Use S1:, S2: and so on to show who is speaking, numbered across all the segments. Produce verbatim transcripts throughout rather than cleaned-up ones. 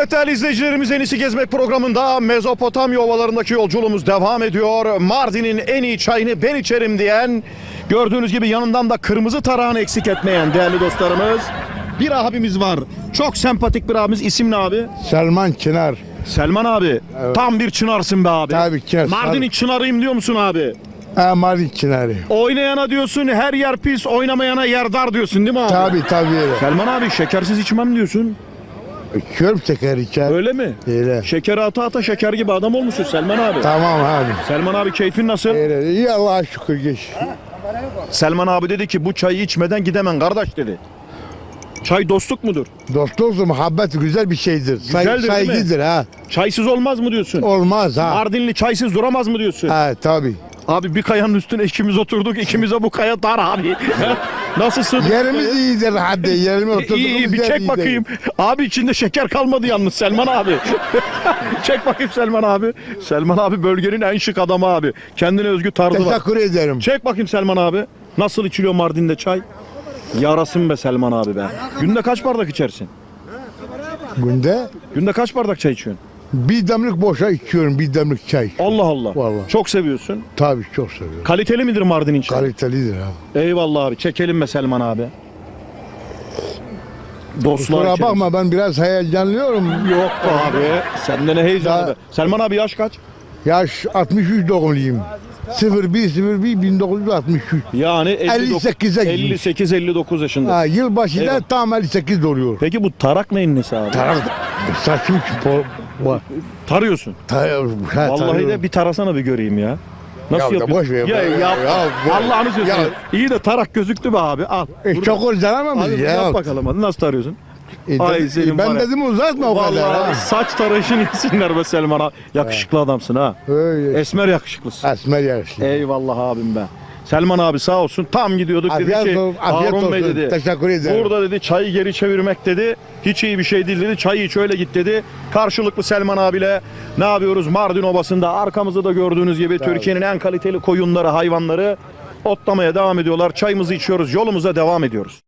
S1: Evet değerli izleyicilerimiz, En İyisi Gezmek programında Mezopotamya ovalarındaki yolculuğumuz devam ediyor. Mardin'in en iyi çayını ben içerim diyen, gördüğünüz gibi yanından da kırmızı tarağını eksik etmeyen değerli dostlarımız, bir abimiz var. Çok sempatik bir abimiz. İsim ne abi?
S2: Selman Çınar.
S1: Selman abi.
S2: Evet.
S1: Tam bir çınarsın be abi.
S2: Tabii ki.
S1: Mardin'in çınarıyım diyor musun abi?
S2: Ha, Mardin Çınarı.
S1: Oynayana diyorsun her yer pis, oynamayana yer dar diyorsun değil mi abi?
S2: Tabii tabii öyle.
S1: Selman abi şekersiz içmem diyorsun.
S2: Körüm şeker içer.
S1: Öyle mi?
S2: Öyle.
S1: Şekeri ata ata şeker gibi adam olmuşsun Selman abi.
S2: Tamam abi.
S1: Selman abi keyfin nasıl?
S2: Öyle. İyi Allah'a şükür geç.
S1: Selman abi dedi ki bu çayı içmeden gidemem kardeş dedi. Çay dostluk mudur?
S2: Dostluk, muhabbet güzel bir şeydir. Say,
S1: Güzeldir, değil mi?
S2: saygıdır ha.
S1: Çaysız olmaz mı diyorsun?
S2: Olmaz ha.
S1: Mardinli çaysız duramaz mı diyorsun?
S2: Ha tabii.
S1: Abi bir kayanın üstüne ikimiz oturduk, ikimize bu kaya dar abi. Nasılsın?
S2: Yerimiz iyidir hadi. Yerime oturduğumuz
S1: İyi iyi bir
S2: yer
S1: çek
S2: iyidir.
S1: bakayım. Abi içinde şeker kalmadı yalnız Selman abi. Çek bakayım Selman abi. Selman abi bölgenin en şık adamı abi. Kendine özgü tarzı var.
S2: Teşekkür ederim.
S1: Çek bakayım Selman abi. Nasıl içiliyor Mardin'de çay? Yarasın be Selman abi be. Günde kaç bardak içersin?
S2: Günde
S1: Günde kaç bardak çay içiyorsun?
S2: bir demlik boşa içiyorum. Bir demlik çay.
S1: Allah Allah.
S2: Vallahi.
S1: Çok seviyorsun.
S2: Tabii çok seviyorum.
S1: Kaliteli midir Mardin'in çayı?
S2: Kalitelidir ha.
S1: Eyvallah abi. Çekelim be Selman abi. Dostlar
S2: Kusura
S1: içeriz.
S2: bakma ben biraz heyecanlıyorum.
S1: Yok be abi. Sende ne heyecanı
S2: Daha-
S1: be. Selman abi yaş kaç?
S2: Yaş altmış üç doğumluyum. sıfır bir sıfır bir bin dokuz yüz altmış üç.
S1: Yani
S2: elli sekize girmiş.
S1: elli sekiz elli dokuz yaşında.
S2: Ha, yılbaşı da
S1: Eyvallah.
S2: tam elli sekiz oluyor.
S1: Peki bu tarak neyin nesi abi?
S2: Tarak saçım po, po,
S1: Tarıyorsun.
S2: ta, ha,
S1: Vallahi
S2: tarıyorum.
S1: de bir tarasana bir göreyim ya. Nasıl
S2: Ya da
S1: yapıyorsun?
S2: boş ver,
S1: Ya,
S2: boş ver.
S1: yap.
S2: Ya, boş-
S1: Allah'ını seversen.
S2: Ya.
S1: İyi de tarak gözüktü be abi. Al.
S2: E,
S1: Burada-
S2: çok uzanamam
S1: Hadi
S2: ya.
S1: yap bakalım hadi nasıl tarıyorsun?
S2: E,
S1: Ay
S2: dedi-
S1: senin
S2: ben
S1: var ya.
S2: dedim uzatma o kadar.
S1: Vallahi
S2: Ha.
S1: saç tarayışını yesinler be Selman abi. Yakışıklı adamsın ha.
S2: Öyle.
S1: Esmer yakışıklısın.
S2: Esmer yarışı.
S1: Eyvallah abim be. Selman abi sağ olsun tam gidiyorduk dedi
S2: Afiyet
S1: ki
S2: olsun, afiyet
S1: Harun Bey
S2: olsun.
S1: dedi.
S2: Teşekkür ederim.
S1: Burada dedi çayı geri çevirmek dedi. Hiç iyi bir şey değil dedi. Çayı iç öyle git dedi. Karşılıklı Selman abiyle ne yapıyoruz? Mardin Obası'nda arkamızda da gördüğünüz gibi Türkiye'nin en kaliteli koyunları, hayvanları otlamaya devam ediyorlar. Çayımızı içiyoruz. Yolumuza devam ediyoruz.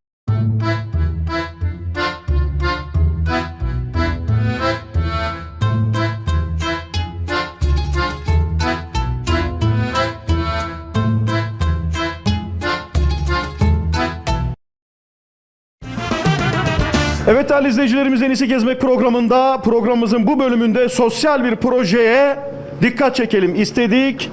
S1: Evet değerli izleyicilerimiz, En İyisi Gezmek programında programımızın bu bölümünde sosyal bir projeye dikkat çekelim istedik.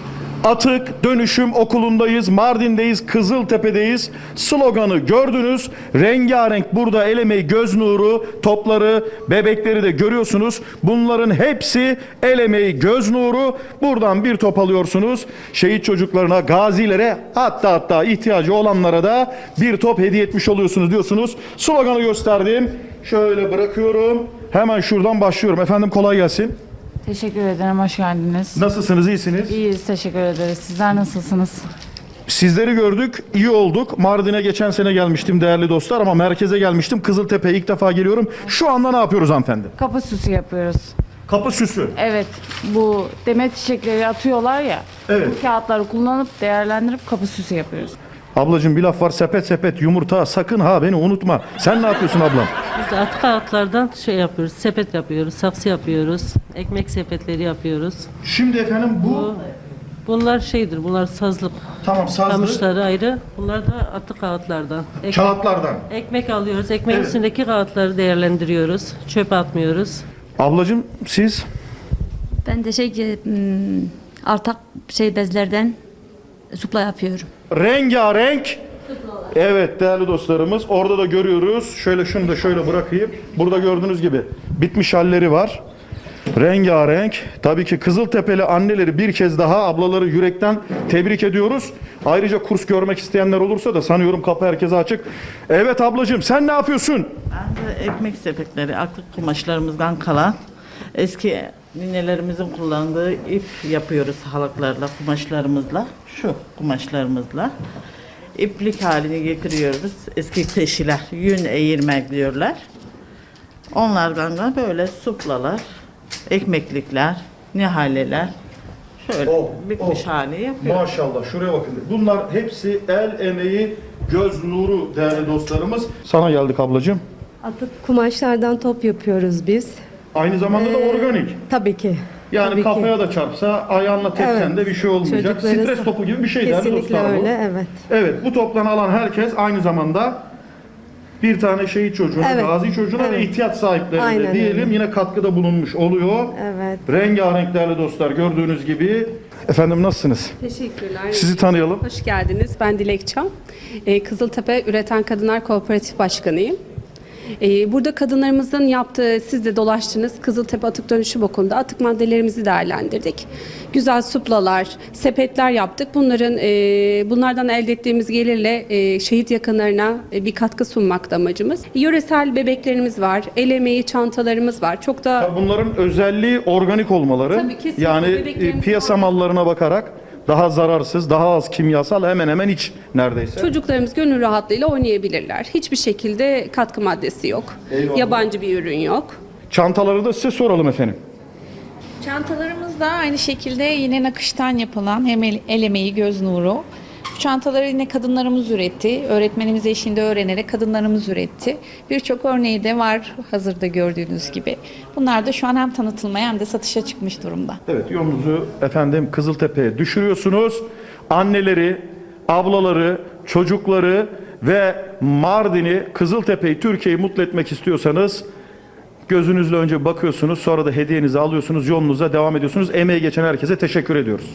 S1: Atık Dönüşüm Okulu'ndayız, Mardin'deyiz, Kızıltepe'deyiz. Sloganı gördünüz. Rengarenk burada el emeği, göz nuru, topları, bebekleri de görüyorsunuz. Bunların hepsi el emeği, göz nuru. Buradan bir top alıyorsunuz. Şehit çocuklarına, gazilere, hatta hatta ihtiyacı olanlara da bir top hediye etmiş oluyorsunuz diyorsunuz. Sloganı gösterdim. Şöyle bırakıyorum. Hemen şuradan başlıyorum. Efendim kolay gelsin.
S3: Teşekkür ederim, hoş geldiniz.
S1: Nasılsınız, iyisiniz?
S3: İyiyiz, teşekkür ederiz. Sizler nasılsınız?
S1: Sizleri gördük, iyi olduk. Mardin'e geçen sene gelmiştim değerli dostlar ama merkeze gelmiştim. Kızıltepe'ye ilk defa geliyorum. Şu anda ne yapıyoruz hanımefendi?
S3: Kapı süsü yapıyoruz.
S1: Kapı süsü.
S3: Evet, bu demet çiçekleri atıyorlar ya,
S1: Evet.
S3: bu kağıtları kullanıp değerlendirip kapı süsü yapıyoruz.
S1: Ablacığım bir laf var, sepet sepet yumurta, sakın ha beni unutma. Sen ne yapıyorsun ablam?
S4: Biz de atık kağıtlardan şey yapıyoruz, sepet yapıyoruz, saksı yapıyoruz, ekmek sepetleri yapıyoruz.
S1: Şimdi efendim bu,
S4: Bu, bunlar şeydir, bunlar sazlık.
S1: tamam sazlı
S4: Kamışları ayrı, bunlar da atık kağıtlardan. Ek-
S1: kağıtlardan.
S4: ekmek alıyoruz, ekmeğin
S1: Evet.
S4: üstündeki kağıtları değerlendiriyoruz, çöpe atmıyoruz.
S1: Ablacığım siz?
S5: Ben de şey hmm, artak şey bezlerden supla yapıyorum.
S1: Rengarenk. Evet değerli dostlarımız, orada da görüyoruz. Şöyle şunu da şöyle bırakayım. Burada gördüğünüz gibi bitmiş halleri var. Rengarenk. Tabii ki Kızıltepe'li anneleri bir kez daha, ablaları yürekten tebrik ediyoruz. Ayrıca kurs görmek isteyenler olursa da sanıyorum kapı herkese açık. Evet ablacığım sen ne yapıyorsun?
S6: Ben de ekmek sepetleri, atık kumaşlarımızdan kalan eski ninelerimizin kullandığı ip yapıyoruz halıklarla, kumaşlarımızla, şu kumaşlarımızla. İplik halini getiriyoruz. Eski teşiler, yün eğirmek diyorlar. Onlardan da böyle suplalar, ekmeklikler, nihaleler, şöyle
S1: Oh,
S6: bitmiş
S1: oh.
S6: hali yapıyoruz.
S1: Maşallah şuraya bakın. Bunlar hepsi el emeği, göz nuru değerli dostlarımız. Sana geldik ablacığım.
S7: Atık kumaşlardan top yapıyoruz biz.
S1: Aynı zamanda da organik.
S7: Tabii ki.
S1: Yani
S7: Tabii
S1: kafaya
S7: ki.
S1: da çarpsa, ayağınla tepsen
S7: Evet.
S1: de bir şey olmayacak.
S7: Çocukları-
S1: Stres topu gibi bir şey değerli
S7: Kesinlikle
S1: dostlar bu.
S7: öyle, evet.
S1: Evet, bu toptan alan herkes aynı zamanda bir tane şehit çocuğuna,
S7: Evet.
S1: gazi çocuğuna ve
S7: Evet.
S1: ihtiyaç sahiplerine
S7: Aynen
S1: diyelim
S7: öyle.
S1: yine katkıda bulunmuş oluyor.
S7: Evet.
S1: Rengarenk değerli dostlar gördüğünüz gibi. Efendim nasılsınız?
S8: Teşekkürler.
S1: Sizi tanıyalım.
S8: Hoş geldiniz. Ben Dilek Çam. Ee, Kızıltepe Üreten Kadınlar Kooperatif Başkanıyım. Ee, burada kadınlarımızın yaptığı, siz de dolaştınız, Kızıltepe Atık Dönüşüm Okulu'nda atık maddelerimizi değerlendirdik. Güzel suplalar, sepetler yaptık. Bunların e, bunlardan elde ettiğimiz gelirle e, şehit yakınlarına e, bir katkı sunmakta amacımız. Yöresel bebeklerimiz var, el emeği çantalarımız var. Çok da
S1: Ya bunların özelliği organik olmaları.
S8: Tabii, kesinlikle.
S1: Yani e,
S8: Bebeklerimiz
S1: piyasa
S8: organik.
S1: mallarına bakarak daha zararsız, daha az kimyasal, hemen hemen hiç neredeyse.
S8: çocuklarımız gönül rahatlığıyla oynayabilirler. Hiçbir şekilde katkı maddesi yok.
S1: Eyvallah.
S8: Yabancı bir ürün yok.
S1: Çantaları da size soralım efendim.
S9: Çantalarımız da aynı şekilde yine nakıştan yapılan hem el, el emeği, göz nuru. Bu çantaları yine kadınlarımız üretti. Öğretmenimiz eşliğinde öğrenerek kadınlarımız üretti. Birçok örneği de var hazırda gördüğünüz gibi. Bunlar da şu an hem tanıtılmaya hem de satışa çıkmış durumda.
S1: Evet, yolunuzu efendim Kızıltepe'ye düşürüyorsunuz. Anneleri, ablaları, çocukları ve Mardin'i, Kızıltepe'yi, Türkiye'yi mutlu etmek istiyorsanız gözünüzle önce bakıyorsunuz, sonra da hediyenizi alıyorsunuz, yolunuza devam ediyorsunuz. Emeği geçen herkese teşekkür ediyoruz.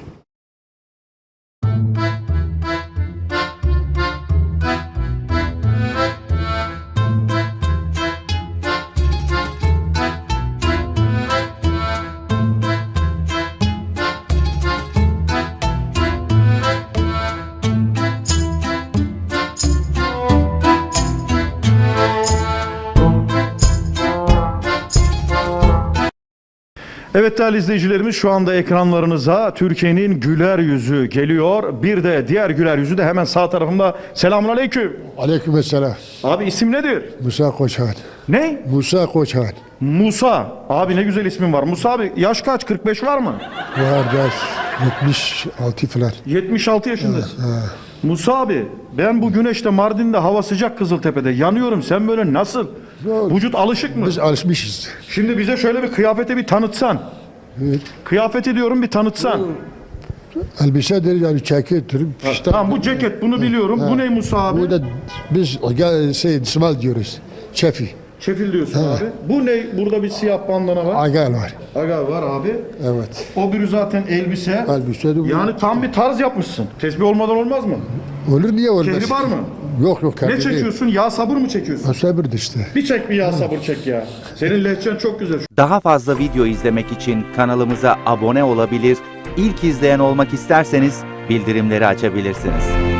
S1: Evet değerli izleyicilerimiz, şu anda ekranlarınıza Türkiye'nin güler yüzü geliyor. Bir de diğer güler yüzü de hemen sağ tarafımda. Selamun aleyküm.
S2: Aleykümselam.
S1: Abi isim nedir?
S2: Musa Koçhan.
S1: Ne?
S2: Musa Koçhan.
S1: Musa. Abi ne güzel ismin var. Musa abi yaş kaç? kırk beş var mı?
S2: Var ders yetmiş altı falan.
S1: yetmiş altı yaşındasın. Musa abi, ben bu güneşte Mardin'de hava sıcak, Kızıltepe'de yanıyorum. Sen böyle nasıl?
S2: Yok.
S1: Vücut alışık mı?
S2: Biz alışmışız.
S1: Şimdi bize şöyle bir kıyafeti bir tanıtsan.
S2: Evet.
S1: Kıyafeti diyorum bir tanıtsan.
S2: Elbisedir yani cekettir. İşte
S1: Tamam, bu ceket bunu biliyorum. Bu ne Musa abi?
S2: Bu da biz gel- şey ismal diyoruz. Çefi.
S1: Çefil diyorsun abi. Bu ne? Burada bir siyah bandana var.
S2: Agal var.
S1: Aga var abi.
S2: Evet.
S1: O biri zaten elbise.
S2: Elbise de bu.
S1: Yani tam bir tarz yapmışsın. Tesbih olmadan olmaz mı?
S2: Olur niye olmaz?
S1: Kehri var mı?
S2: Yok yok.
S1: Ne
S2: kendi değil.
S1: çekiyorsun? Yağ sabır mı çekiyorsun?
S2: Sabırdır işte.
S1: Bir çek bir yağ sabır çek ya. Senin lehçen çok güzel.
S10: Daha fazla video izlemek için kanalımıza abone olabilir, ilk izleyen olmak isterseniz bildirimleri açabilirsiniz.